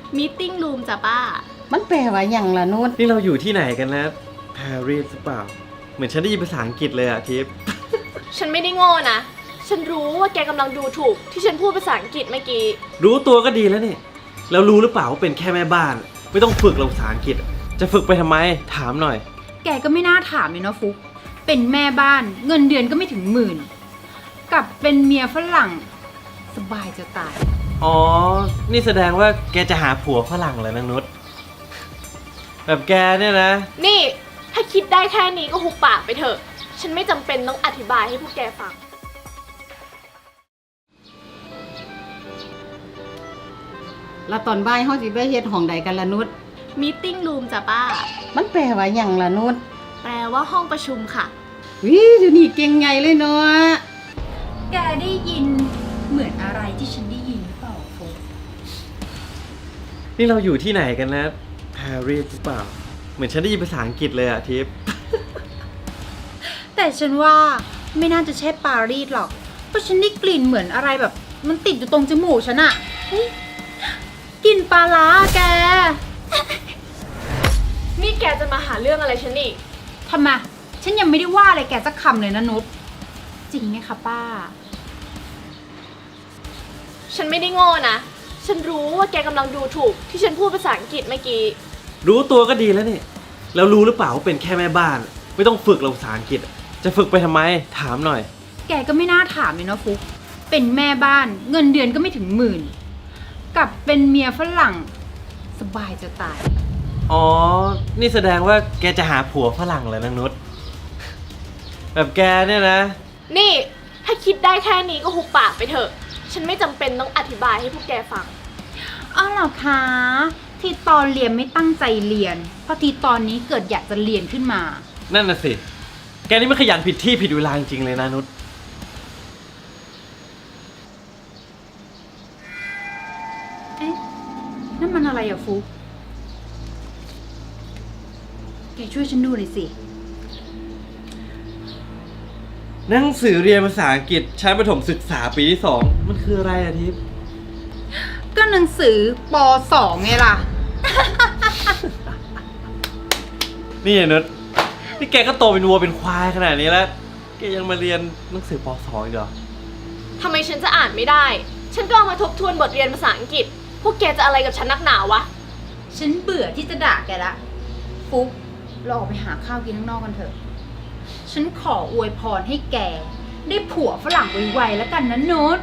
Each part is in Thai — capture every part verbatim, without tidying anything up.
มีตติ้งรูมจ้ะป้ามันแปลว่าอย่างละนุชนี่เราอยู่ที่ไหนกันนะปารีสหรือเปล่าเหมือนฉันได้ยินภาษาอังกฤษเลยอะทิพย์ฉันไม่ได้โง่นะฉันรู้ว่าแกกำลังดูถูกที่ฉันพูดภาษาอังกฤษเมื่อกี้รู้ตัวก็ดีแล้วนี่แล้วรู้หรือเปล่าว่าเป็นแค่แม่บ้านไม่ต้องฝึกภาษาอังกฤษจะฝึกไปทำไมถามหน่อยแกก็ไม่น่าถามเลยเนาะฟุกเป็นแม่บ้านเงินเดือนก็ไม่ถึงหมื่นกับเป็นเมียฝรั่งสบายจะตายอ๋อนี่แสดงว่าแกจะหาผัวฝรั่งเลยนางนุชแบบแกเนี่ยนะนี่ถ้าคิดได้แค่นี้ก็หุบปากไปเถอะฉันไม่จำเป็นต้องอธิบายให้พวกแกฟังแล้วตอนบ่ายเฮาสิไปเฮ็ดห้องใดกันละนุชมีตติ้งรูมจ้ะป้ามันแปลว่าอย่างละนุชแปลว่าห้องประชุมค่ะวิเดี๋ยวนี้เก่งใหญ่เลยเนาะแกได้ยินเหมือนอะไรที่ฉันได้ยินหรือเปล่าฟุกนี่เราอยู่ที่ไหนกันนะปารีสหรือเปล่าเหมือนฉันได้ยินภาษาอังกฤษเลยอะทิพย์แต่ฉันว่าไม่น่าจะใช่ปารีสหรอกเพราะฉันได้กลิ่นเหมือนอะไรแบบมันติดอยู่ตรงจมูกฉันอะกลิ่นปลาร้าแกนี่แกจะมาหาเรื่องอะไรฉันอีกทำไมฉันยังไม่ได้ว่าอะไรแกสักคำเลยนะนุชจริงไหมคะป้าฉันไม่ได้โง่นะฉันรู้ว่าแกกำลังดูถูกที่ฉันพูดภาษาอังกฤษเมื่อกี้รู้ตัวก็ดีแล้วนี่แล้วรู้หรือเปล่าว่าเป็นแค่แม่บ้านไม่ต้องฝึกภาษาอังกฤษจะฝึกไปทำไมถามหน่อยแกก็ไม่น่าถามเลยนะฟุกเป็นแม่บ้านเงินเดือนก็ไม่ถึงหมื่นกับเป็นเมียฝรั่งสบายจะตายอ๋อนี่แสดงว่าแกจะหาผัวฝรั่งเลยนางนุชแบบแกเนี่ยนะนี่ถ้าคิดได้แค่นี้ก็หุบปากไปเถอะฉันไม่จำเป็นต้องอธิบายให้พวกแกฟังอ้าวเหรอคะที่ตอนเรียนไม่ตั้งใจเรียนเพราะที่ตอนนี้เกิดอยากจะเรียนขึ้นมานั่นน่ะสิแกนี่ไม่ขยันผิดที่ผิดเวลาจริงๆเลยนะนุชเอ๊ะนั่นมันอะไรอะฟุกแกช่วยฉันดูหน่อยสิหนังสือเรียนภาษาอังกฤษชั้นประถมศึกษาปีที่สองมันคืออะไรอะทิพย์ก็หนังสือป.สอง ไงล่ะนี่ไอ้นุชนี่แกก็โตเป็นวัวเป็นควายขนาดนี้แล้วแกยังมาเรียนหนังสือป.สอง อีกเหรอทำไมฉันจะอ่านไม่ได้ฉันก็เอามาทบทวนบทเรียนภาษาอังกฤษพวกแกจะอะไรกับฉันนักหนาวะฉันเบื่อที่จะด่าแกละฟุกเราออกไปหาข้าวกินข้างนอกกันเถอะฉันขออวยพรให้แกได้ผัวฝรั่งไวๆแล้วกันนะนุช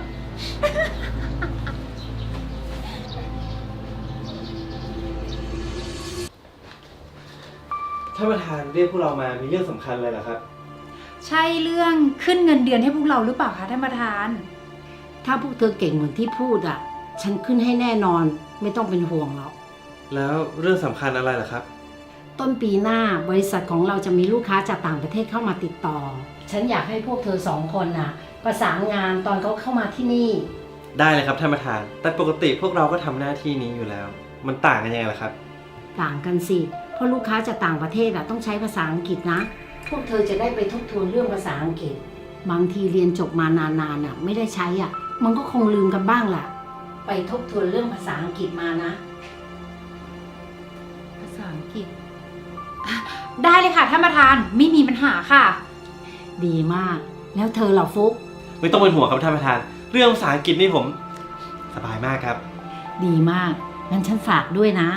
ท่านประธานเรียกพวกเรามามีเรื่องสำคัญอะไรเหรอครับใช่เรื่องขึ้นเงินเดือนให้พวกเราหรือเปล่าคะท่านประธานถ้าพวกเธอเก่งเหมือนที่พูดอ่ะฉันขึ้นให้แน่นอนไม่ต้องเป็นห่วงหรอกแล้วเรื่องสำคัญอะไรเหรอครับต้นปีหน้าบริษัทของเราจะมีลูกค้าจากต่างประเทศเข้ามาติดต่อฉันอยากให้พวกเธอสองคนน่ะประสานงานตอนเขาเข้ามาที่นี่ได้เลยครับท่านประธานแต่ปกติพวกเราก็ทำหน้าที่นี้อยู่แล้วมันต่างกันยังไงล่ะครับต่างกันสิเพราะลูกค้าจากต่างประเทศอะต้องใช้ภาษาอังกฤษนะพวกเธอจะได้ไปทบทวนเรื่องภาษาอังกฤษบางทีเรียนจบมานานๆน่ะไม่ได้ใช้อ่ะมันก็คงลืมกันบ้างแหละไปทบทวนเรื่องภาษาอังกฤษมานะภาษาอังกฤษได้เลยค่ะท่านประธานไม่มีปัญหาค่ะดีมากแล้วเธอเหล่าฟุกไม่ต้องเป็นห่วงครับท่านประธานเรื่องภาษาอังกฤษนี่ผมสบายมากครับดีมากงั้นฉันฝากด้วยนะ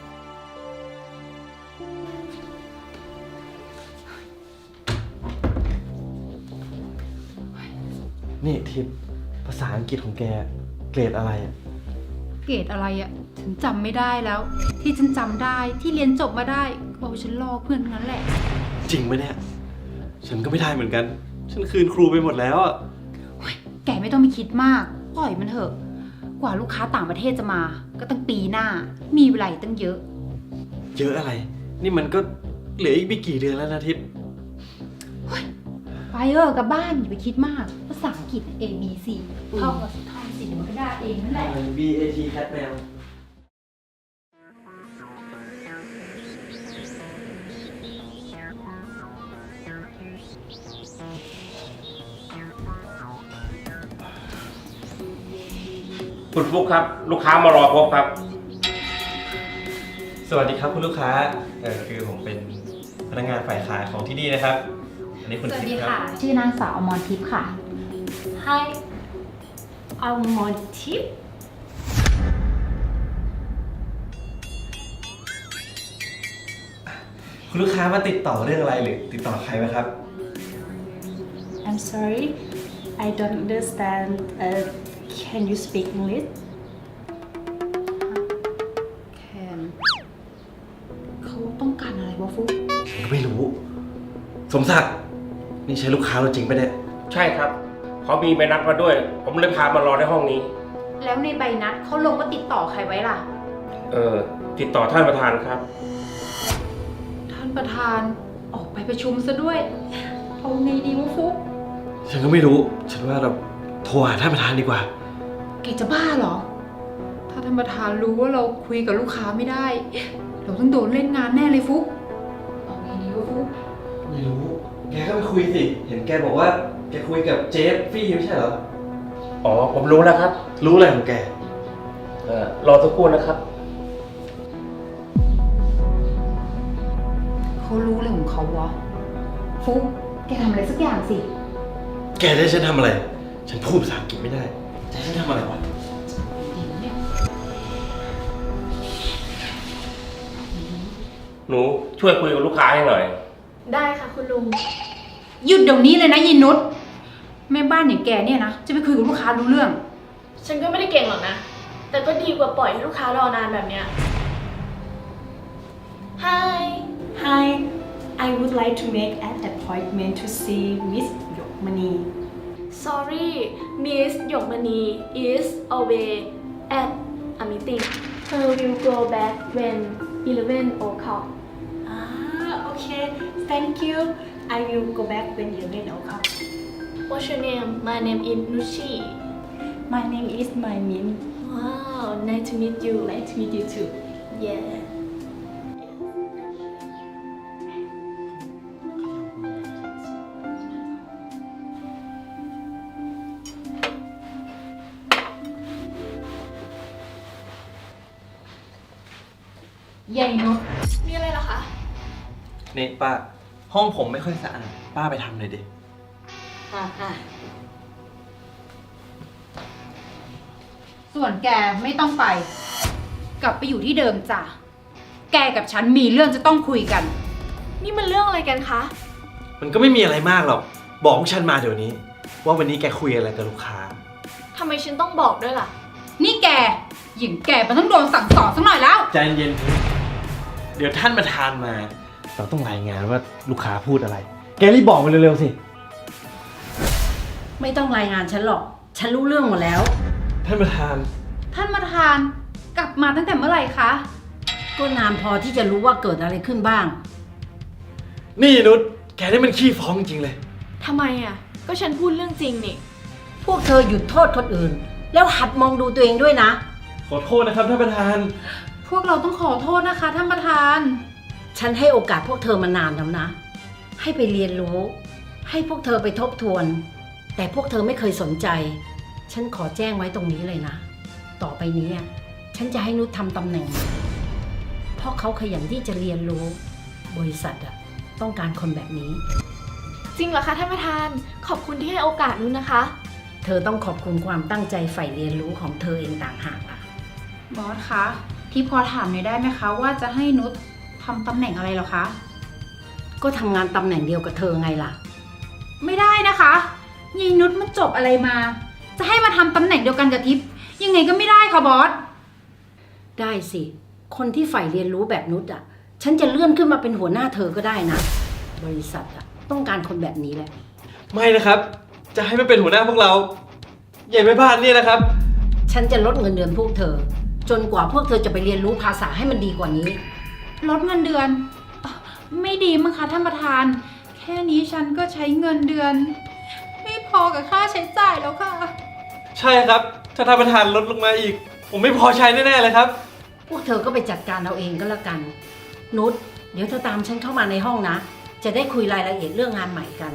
นี่ทิพย์ภาษาอังกฤษของแกเกรดอะไรอะเกรดอะไรอะฉันจำไม่ได้แล้วที่ฉันจำได้ที่เรียนจบมาได้ก็ฉันลอกเพื่อนนั้นแหละจริงไหมเนี่ยฉันก็ไม่ได้เหมือนกันฉันคืนครูไปหมดแล้วอะแกไม่ต้องไปคิดมากปล่อยมันเถอะกว่าลูกค้าต่างประเทศจะมาก็ตั้งปีหน้ามีเวลาตั้งเยอะเยอะอะไรนี่มันก็เหลืออีกไม่กี่เดือนแล้วนะทิพย์ไปเออกลับบ้านอย่าไปคิดมากภาษาอังกฤษ A B C ท่องกับท่องสิเดี๋ยวมันก็ได้เองนั่นแหละ B A T cat แมวคุณฟุกครับลูกค้ามารอพบครับสวัสดีครับคุณลูกค้าเออคือผมเป็นพนักงานฝ่ายขายของที่นี่นะครับ อันนี้คุณสวัสทิดีพย์ครัค่ะบชื่อนางสาวอมรทิพย์ค่ะ Hi I'm on tip คุณลูกค้ามาติดต่อเรื่องอะไรหรือติดต่อใครไหมครับ I'm sorry, I don't understand. Uh, can you speak English? แคนเขาต้องการอะไรวะฟุกผมก็ไม่รู้ สมศักดิ์นี่ใช่ลูกค้าเราจริงปะเนี่ยใช่ครับ เขามีใบนัดมาด้วย ผมเลยพามารอในห้องนี้แล้วในใบนัดเขาลงว่าติดต่อใครไว้ล่ะเออ ติดต่อท่านประธานครับท่านประธานออกไปประชุมซะด้วย เอาไงดีวะฟุกฉันก็ไม่รู้ ฉันว่าเราโทรหาท่านประธานดีกว่าแกจะบ้าเหรอ ถ้าท่านประธานรู้ว่าเราคุยกับลูกค้าไม่ได้ เราต้องโดนเล่นงานแน่เลยฟุก เอาไงดีวะฟุกไม่รู้ แกก็ไปคุยสิ เห็นแกบอกว่าแกคุยกับเจฟฟี่ไม่ใช่เหรออ๋อ ผมรู้แล้วครับรู้อะไรของแกเออรอสักครู่นะครับเขารู้อะไรของเขาวะ ฟุก แกทำอะไรสักอย่างสิแกจะให้ฉันทำอะไร ฉันพูดภาษาอังกฤษไม่ได้ จะให้ฉันทำอะไรวะหนูช่วยคุยกับลูกค้าให้หน่อยได้ค่ะคุณลุงหยุดเดี๋ยวนี้เลยนะยินนุชแม่บ้านอย่างแกเนี่ยนะ จะไปคุยกับลูกค้ารู้เรื่องฉันก็ไม่ได้เก่งหรอกนะ แต่ก็ดีกว่าปล่อยให้ลูกค้ารอนานแบบเนี้ย Hi Hi, I would like to make an appointment to see Miss Yokmani. Sorry Miss Yokmani is away at a meeting Her will go back when eleven o'clock Ah, okay. Thank you. I will go back when you need o'clock. What's your name? My name is Nushi My name is My Min. Wow, nice to meet you. Nice to meet you too. Yeah. ใหญ่นุชมีอะไรเหรอคะนี่ป้า ห้องผมไม่ค่อยสะอาด ป้าไปทำเลยดิอ่ะอ่ะส่วนแกไม่ต้องไป กลับไปอยู่ที่เดิมจ้ะ แกกับฉันมีเรื่องจะต้องคุยกันนี่มันเรื่องอะไรกันคะมันก็ไม่มีอะไรมากหรอก บอกพวกฉันมาเดี๋ยวนี้ ว่าวันนี้แกคุยอะไรกับลูกค้าทำไมฉันต้องบอกด้วยล่ะนี่แก หญิงแกมันต้องโดนสั่งสอนสักหน่อยแล้วใจเย็นๆเดี๋ยวท่านประธานมา เราต้องรายงานว่าลูกค้าพูดอะไร แกรีบบอกมาเร็วๆสิไม่ต้องรายงานฉันหรอก ฉันรู้เรื่องหมดแล้วท่านประธานท่านประธานกลับมาตั้งแต่เมื่อไหร่คะก็นานพอที่จะรู้ว่าเกิดอะไรขึ้นบ้างนี่นุช แกนี่มันขี้ฟ้องจริงเลยทำไมอ่ะ ก็ฉันพูดเรื่องจริงนี่พวกเธอหยุดโทษคนอื่น แล้วหัดมองดูตัวเองด้วยนะขอโทษนะครับท่านประธานพวกเราต้องขอโทษนะคะ ท่านประธานฉันให้โอกาสพวกเธอมานานแล้วนะ ให้ไปเรียนรู้ ให้พวกเธอไปทบทวน แต่พวกเธอไม่เคยสนใจ ฉันขอแจ้งไว้ตรงนี้เลยนะ ต่อไปนี้อะฉันจะให้นุชทำตำแหน่งใหม่เพราะเขาขยันที่จะเรียนรู้ บริษัทอะต้องการคนแบบนี้จริงเหรอคะท่านประธาน ขอบคุณที่ให้โอกาสนุ้นนะคะเธอต้องขอบคุณความตั้งใจใฝ่เรียนรู้ของเธอเองต่างหากล่ะบอสคะ ที่พอถามหน่อยได้ไหมคะ ว่าจะให้นุชทำตำแหน่งอะไรเหรอคะก็ทำงานตำแหน่งเดียวกับเธอไงล่ะไม่ได้นะคะยีนุชมันจบอะไรมา จะให้มาทำตำแหน่งเดียวกันกับทิพย์ยังไงก็ไม่ได้ค่ะบอสได้สิ คนที่ใฝ่เรียนรู้แบบนุชอ่ะ ฉันจะเลื่อนขึ้นมาเป็นหัวหน้าเธอก็ได้นะ บริษัทอ่ะต้องการคนแบบนี้แหละไม่นะครับ จะให้มันเป็นหัวหน้าพวกเรา ใหญ่แม่บ้านเนี่ยนะครับฉันจะลดเงินเดือนพวกเธอ จนกว่าพวกเธอจะไปเรียนรู้ภาษาให้มันดีกว่านี้ลดเงินเดือนอ่ะไม่ดีมั้งคะท่านประธาน แค่นี้ฉันก็ใช้เงินเดือน ไม่พอกับค่าใช้จ่ายแล้วค่ะใช่ครับ ถ้าท่านประธานลดลงมาอีก ผมไม่พอใช้แน่ๆเลยครับพวกเธอก็ไปจัดการเอาเองก็แล้วกัน นุช เดี๋ยวเธอตามฉันเข้ามาในห้องนะ จะได้คุยรายละเอียดเรื่องงานใหม่กัน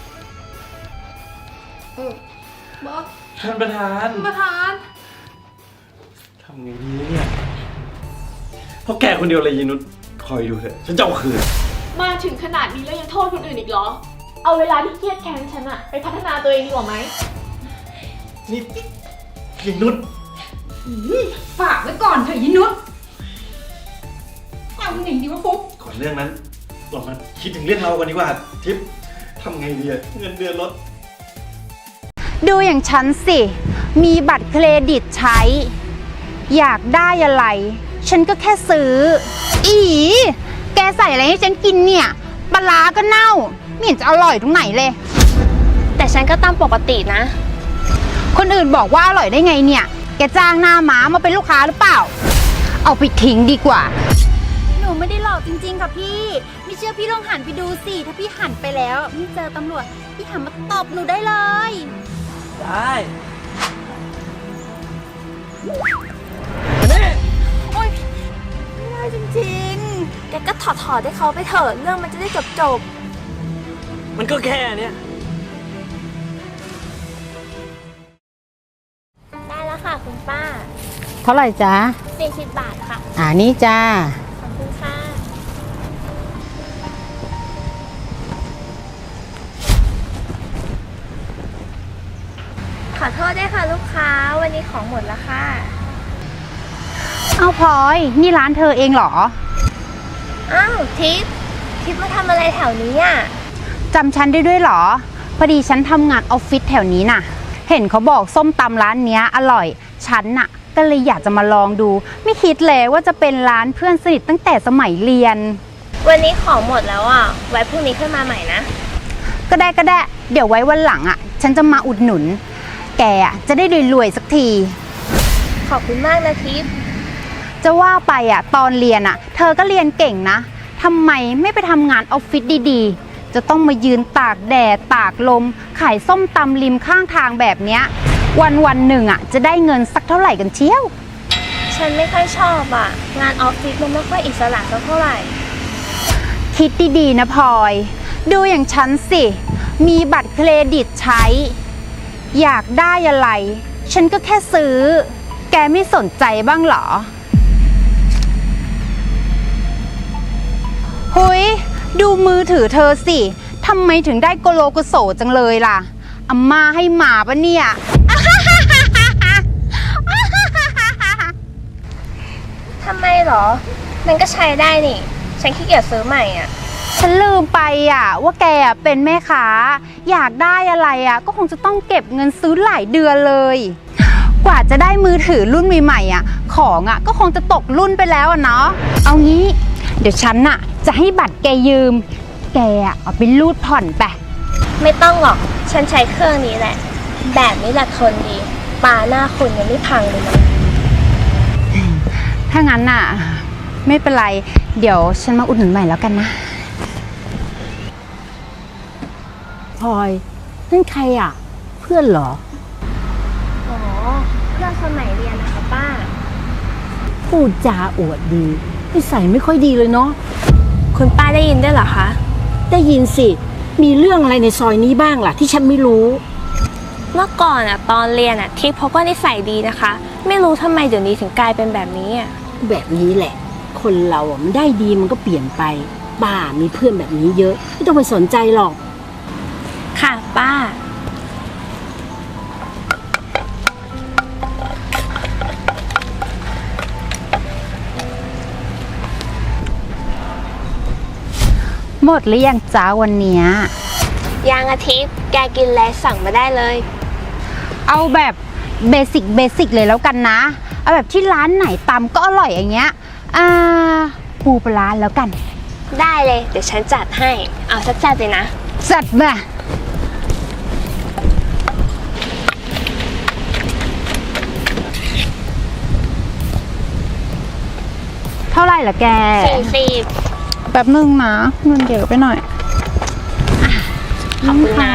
เออ บอสท่านประธานท่านประธานทำไงดีเนี่ยเพราะแกคนเดียวเลยยายนุชคอยดูเถอะฉันจะเอาคืนมาถึงขนาดนี้แล้วยังโทษคนอื่นอีกเหรอ เอาเวลาที่เครียดแค้นฉันอะไปพัฒนาตัวเองดีกว่าไหมนี่ยายนุชฝากไว้ก่อนเถอะยินุชเอาหนิดีวะฟุ๊กก่อนเรื่องนั้น เรามาคิดถึงเรื่องเรากันดีกว่าทิปทำไงดีอะเงินเดือนลดดูอย่างฉันสิ มีบัตรเครดิตใช้ อยากได้อะไร ฉันก็แค่ซื้อ อีแกใส่อะไรให้ฉันกินเนี่ยปลาร้าก็เน่า ไม่เห็นจะอร่อยตรงไหนเลยแต่ฉันก็ตามปกตินะคนอื่นบอกว่าอร่อยได้ไงเนี่ย แกจ้างหน้าม้ามาเป็นลูกค้าหรือเปล่า เอาไปทิ้งดีกว่า หนูไม่ได้หลอกจริงๆค่ะพี่ ไม่เชื่อพี่ลองหันไปดูสิ ถ้าพี่หันไปแล้วไม่เจอตำรวจ พี่หันมาตบหนูได้เลยได้โอ๊ยไม่ได้จริงแกก็ถอดถอดให้เขาไปเถอะ เรื่องมันจะได้จบจบมันก็แค่เนี้ยได้แล้วค่ะคุณป้าๆ เท่าไหร่จ๊ะสี่สิบบาทค่ะอ่านี่จ้าขอบคุณค่ะ ขอโทษด้วยค่ะลูกค้า วันนี้ของหมดแล้วค่ะเอาพลอย นี่ร้านเธอเองเหรออ้าวทิพย์ทิพย์มาทำอะไรแถวนี้อ่ะจำฉันได้ด้วยเหรอ พอดีฉันทำงานออฟฟิศแถวนี้น่ะ เห็นเขาบอกส้มตำร้านเนี้ยอร่อย ฉันน่ะ ก็เลยอยากจะมาลองดู ไม่คิดเลยว่าจะเป็นร้านเพื่อนสนิทตั้งแต่สมัยเรียนวันนี้ของหมดแล้วอ่ะ ไว้พรุ่งนี้ค่อยมาใหม่นะก็ได้ก็ได้ เดี๋ยวไว้วันหลังอ่ะ ฉันจะมาอุดหนุน แกอ่ะจะได้รวยๆสักทีขอบคุณมากนะทิพย์จะว่าไปอ่ะตอนเรียนอ่ะ เธอก็เรียนเก่งนะทำไมไม่ไปทำงานออฟฟิศดีๆ จะต้องมายืนตากแดดตากลม ขายส้มตำริมข้างทางแบบเนี้ย วันวันๆหนึ่งอ่ะจะได้เงินสักเท่าไหร่กันเชียวฉันไม่ค่อยชอบอ่ะ งานออฟฟิศมันไม่ค่อยอิสระสักเท่าไหร่คิดดีๆนะพลอย ดูอย่างฉันสิ มีบัตรเครดิตใช้ อยากได้อะไร ฉันก็แค่ซื้อ แกไม่สนใจบ้างเหรอ หุยดูมือถือเธอสิทำไมถึงได้โกโลโกโสจังเลยล่ะอาม่าให้หมาปะเนี่ยทำไมเหรอ มันก็ใช้ได้นี่ ฉันขี้เกียจซื้อใหม่อ่ะฉันลืมไปอ่ะว่าแกอ่ะเป็นแม่ค้าอยากได้อะไรอ่ะก็คงจะต้องเก็บเงินซื้อหลายเดือนเลย กว่าจะได้มือถือรุ่นใหม่ๆอ่ะของอ่ะก็คงจะตกรุ่นไปแล้วอ่ะเนาะเอางี้ เดี๋ยวฉันน่ะจะให้บัตรแกยืม แกอ่ะเอาไปรูดผ่อนไปไม่ต้องหรอก ฉันใช้เครื่องนี้แหละ แบบนี้แหละทนดีปลาหน้าคุณยังไม่พังเลยมั้งถ้างั้นน่ะไม่เป็นไร เดี๋ยวฉันมาอุดหนุนใหม่แล้วกันนะพลอยนั่นใครอ่ะ เพื่อนเหรออ๋อ เพื่อนสมัยเรียนนะคะป้าพูดจาอวดดีนิสัยไม่ค่อยดีเลยเนาะคุณป้าได้ยินได้วยเหรอคะได้ยินสิ มีเรื่องอะไรในซอยนี้บ้างล่ะที่ฉันไม่รู้เมื่อก่อนอ่ะตอนเรียนอ่ะทิพย์เขาก็นิสัยดีนะคะ ไม่รู้ทำไมเดี๋ยวนี้ถึงกลายเป็นแบบนี้อ่ะแบบนี้แหละ คนเราอ่ะมันได้ดีมันก็เปลี่ยนไปบ้ามีเพื่อนแบบนี้เยอะ ไม่ต้องไปสนใจหรอกค่ะป้าหมดหรือยังจ้าวันเนี้ยยางอาทิตย์แกกินแล้วสั่งมาได้เลยเอาแบบเบสิกเบสิกเลยแล้วกันนะ เอาแบบที่ร้านไหนตำก็อร่อยอย่างเงี้ย อ่า ปูปลาร้าแล้วกันได้เลย เดี๋ยวฉันจัดให้ เอาสักจัดเลยนะจัดมา เท่าไหร่ล่ะแกสี่สิบแป๊บนึงนะเงินเยอะไปหน่อยขอบคุณนะ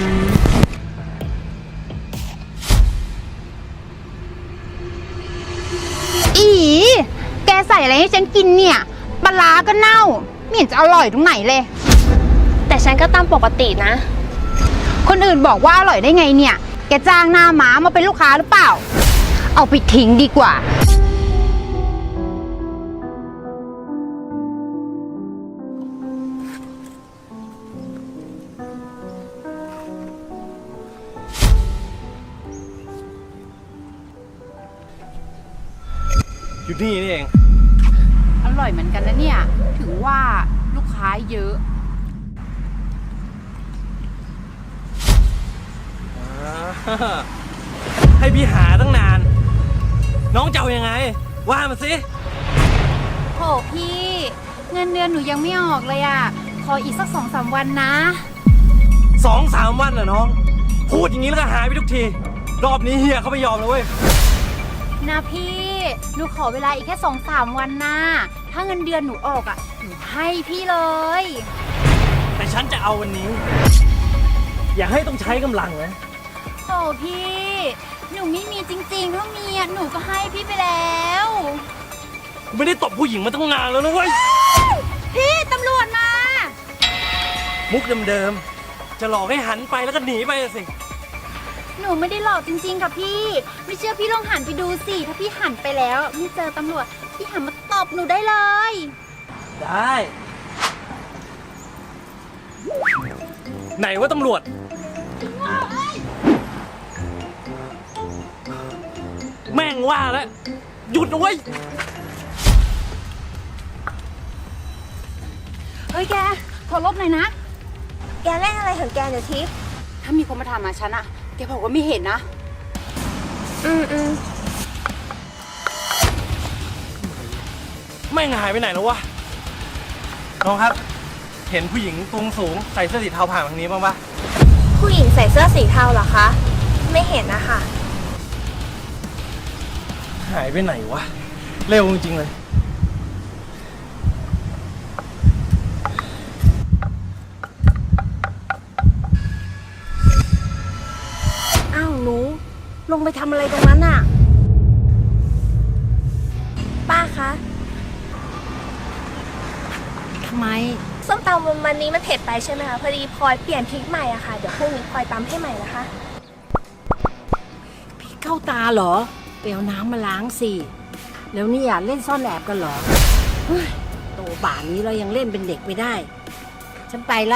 อีแกใส่อะไรให้ฉันกินเนี่ยปลาร้าก็เน่าไม่เห็นจะอร่อยตรงไหนเลยแต่ฉันก็ตามปกตินะคนอื่นบอกว่าอร่อยได้ไงเนี่ย แกจ้างหน้าม้ามาเป็นลูก ลูกค้าหรือเปล่า เอาไปทิ้งดีกว่าขอบคุณนะเท่าไหร่ล่ะแก สี่สิบบาทขอบคุณนะแป๊บนึงนะเงินเยอะไปหน่อย อีแกใส่อะไรให้ฉันกินเนี่ยปลาร้าก็เน่าไม่เห็นจะอร่อยตรงไหนเลย คนอื่นบอกว่าอร่อยได้ไงเนี่ย แกจ้างหน้าม้ามาเป็นลูกค้าหรือเปล่า เอาไปทิ้งดีกว่าอยู่นี่นี่เองอร่อยเหมือนกันนะเนี่ย ถึงว่าลูกค้าเยอะให้พี่หาตั้งนาน น้องจะเอายังไง ว่ามาสิโหพี่ เงินเดือนหนูยังไม่ออกเลยอ่ะ ขออีกสักสองสามวันนะสองสามวันเหรอน้อง พูดอย่างนี้แล้วก็หายไปทุกที รอบนี้เฮียเขาไม่ยอมแล้วเว้ยนะพี่ หนูขอเวลาอีกแค่สองสามวันนะ ถ้าเงินเดือนหนูออกอ่ะ หนูให้พี่เลยแต่ฉันจะเอาวันนี้ อย่าให้ต้องใช้กำลังนะโอ้พี่ หนูไม่มีจริงๆ ถ้ามีอ่ะ หนูก็ให้พี่ไปแล้วกูไม่ได้ตบผู้หญิงมาตั้งนานแล้วนะเว้ยพี่ตำรวจมามุกเดิมๆ จะหลอกให้หันไปแล้วก็หนีไปอะสิหนูไม่ได้หลอกจริงๆ ค่ะพี่ ไม่เชื่อพี่ลองหันไปดูสิ ถ้าพี่หันไปแล้วไม่เจอตำรวจ พี่หันมาตบหนูได้เลยได้ ไหนว่าตำรวจ แม่งว่าแล้ว หยุดนะเว้ยเฮ้ยแก ขอลบหน่อยนะแกเล่นอะไรของแกเดี๋ยวทิพย์ถ้ามีคนมาถามมาฉันอะแกบอกว่าไม่เห็นนะอืมอืมแม่งหายไปไหนแล้ววะ น้องครับ เห็นผู้หญิงตุงสูงใส่เสื้อสีเทาผ่านทางนี้บ้างปะผู้หญิงใส่เสื้อสีเทาเหรอคะ ไม่เห็นนะคะหายไปไหนวะ เร็วจริงๆเลยอ้าวหนู ลงไปทำอะไรตรงนั้นน่ะ ป้าคะทำไมส้มตำวันนี้มันเผ็ดไปใช่ไหมคะ พอดีพลอยเปลี่ยนพริกใหม่อะค่ะ เดี๋ยวพรุ่งนี้พลอยตำให้ใหม่นะคะพี่เข้าตาเหรอไปเอาน้ำมาล้างสิ แล้วนี่อ่ะเล่นซ่อนแอบกันเหรอเฮ้ยโตป่านนี้เรายังเล่นเป็นเด็กไม่ได้ ฉันไปละ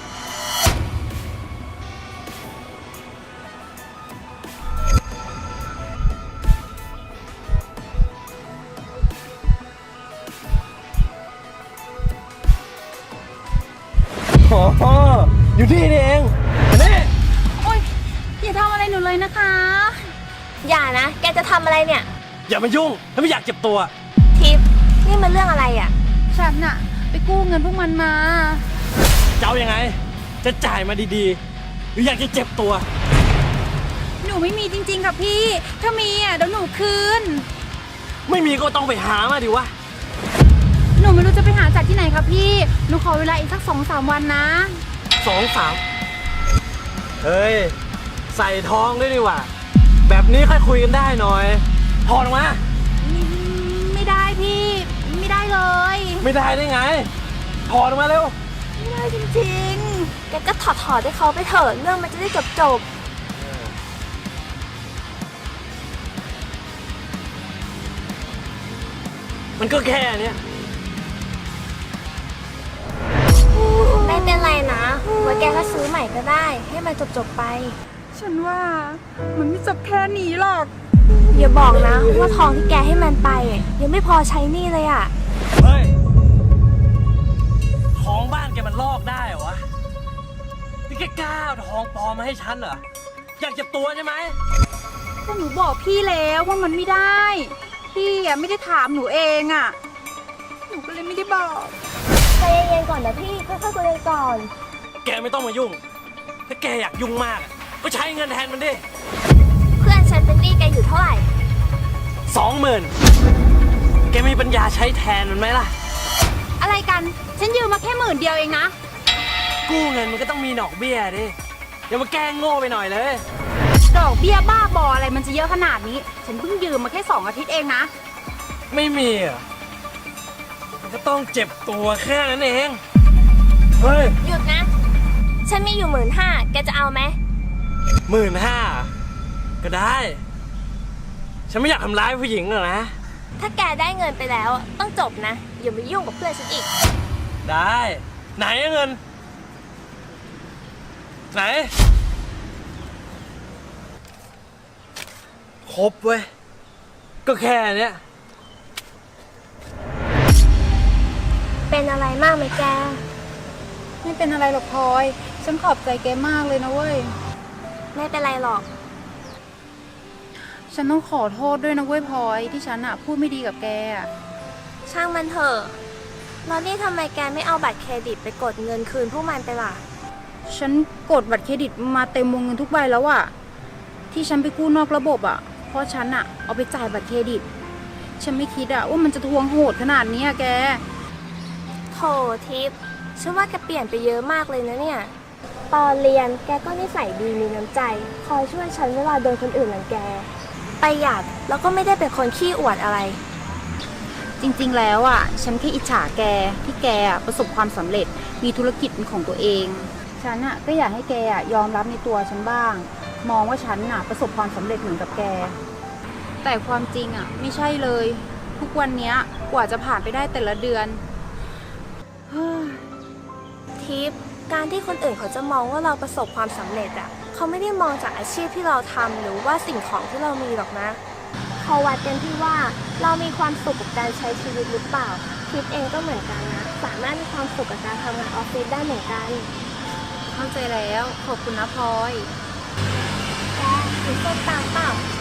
อ๋อ อยู่ที่นี่เองมานี่โอ๊ย อย่าทำอะไรหนูเลยนะคะอย่านะ แกจะทำอะไรเนี่ยอย่ามายุ่ง ถ้าไม่อยากเจ็บตัวทิพย์นี่มันเรื่องอะไรอะฉันอะไปกู้เงินพวกมันมาจะเอายังไง จะจ่ายมาดีๆ หรืออยากจะเจ็บตัวหนูไม่มีจริงๆ ค่ะพี่ ถ้ามีอะเดี๋ยวหนูคืนไม่มีก็ต้องไปหามาดิวะหนูไม่รู้จะไปหาจากที่ไหนคะพี่ หนูขอเวลาอีกสักสองสามวันนะสองสามเฮ้ย ใส่ทองด้วยดีกว่า แบบนี้ค่อยคุยกันได้หน่อยถอดออกมาไม่ไม่ได้พี่ ไม่ได้เลยไม่ได้ได้ไงถอดออกมาเร็วไม่ได้จริงแกก็ถอดถอดให้เขาไปเถอะ เรื่องมันจะได้จบจบมันก็แค่เนี้ยๆไม่เป็นไรนะไว้แกก็ซื้อใหม่ก็ได้ ให้มันจบจบๆไปๆ ฉันว่ามันไม่จบแค่นี้หรอกอย่าบอกนะว่าทองที่แกให้มันไปอะยังไม่พอใช้หนี่เลยอะเฮ้ย ของบ้านแกมันลอกได้เหรอวะ นี่แกกล้าเอาทองปลอมมาให้ฉันเหรอ อยากเจ็บตัวใช่ไหมก็หนูบอกพี่แล้วว่ามันไม่ได้ พี่อะไม่ได้ถามหนูเองอะหนูก็เลยไม่ได้บอกใจเย็นๆก่อนนะพี่ค่อยๆคุยกันก่อนแกไม่ต้องมายุ่ง ถ้าแกอยากยุ่งมากอะก็ใช้เงินแทนมันดิเพื่อนฉันเป็นหนี้แกอยู่เท่าไหร่สองหมื่นแกมีปัญญาใช้แทนมันไหมล่ะอะไรกัน ฉันยืมมาแค่หมื่นเดียวเองนะกู้เงินมันก็ต้องมีดอกเบี้ยดิ อย่ามาแกล้งโง่ไปหน่อยเลยดอกเบี้ยบ้าบออะไรมันจะเยอะขนาดนี้ ฉันเพิ่งยืมมาแค่สองอาทิตย์เองนะไม่มีเหรอมันก็ต้องเจ็บตัวแค่นั้นเอง เฮ้ยหยุดนะ ฉันมีอยู่หมื่นห้าแกจะเอาไหมหมื่นห้าก็ได้ ฉันไม่อยากทำร้ายผู้หญิงหรอกนะถ้าแกได้เงินไปแล้วอะต้องจบนะ อย่ามายุ่งกับเพื่อนฉันอีกได้ ไหนอะเงิน ไหน ครบเว้ย ก็แค่เนี้ยเป็นอะไรมากไหมแกไม่เป็นอะไรหรอกพลอย ฉันขอบใจแกมากเลยนะเว้ยไม่เป็นไรหรอกฉันต้องขอโทษด้วยนะเว้ยพลอยที่ฉันอะพูดไม่ดีกับแกอะช่างมันเถอะแล้วนี่ทำไมแกไม่เอาบัตรเครดิตไปกดเงินคืนพวกมันไปล่ะฉันกดบัตรเครดิตมาเต็มวงเงินทุกใบแล้วอะที่ฉันไปกู้นอกระบบอะเพราะฉันอะเอาไปจ่ายบัตรเครดิต ฉันไม่คิดอะว่ามันจะทวงโหดขนาดนี้อะแกโถทิพย์ฉันว่าแกเปลี่ยนไปเยอะมากเลยนะเนี่ย ตอนเรียนแกก็นิสัยดีมีน้ำใจ คอยช่วยฉันเวลาโดนคนอื่นรังแก ประหยัดแล้วก็ไม่ได้เป็นคนขี้อวดอะไรจริงๆ แล้วอ่ะ ฉันแค่อิจฉาแกที่แกอะประสบความสำเร็จ มีธุรกิจเป็นของตัวเอง ฉันอ่ะก็อยากให้แกอะยอมรับในตัวฉันบ้าง มองว่าฉันอ่ะประสบความสำเร็จเหมือนกับแก แต่ความจริงอ่ะไม่ใช่เลย ทุกวันเนี้ยกว่าจะผ่านไปได้แต่ละเดือนเฮ้ยทิปการที่คนอื่นเขาจะมองว่าเราประสบความสำเร็จอะเขาไม่ได้มองจากอาชีพที่เราทำหรือว่าสิ่งของที่เรามีหรอกนะเขาวัดกันที่ว่าเรามีความสุขกับการใช้ชีวิตหรือเปล่าทิปเองก็เหมือนกันนะสามารถมีความสุขกับการทำงานออฟฟิศได้เหมือนกันเข้าใจแล้วขอบคุณนะพลอยแกกินส้มตำเปล่า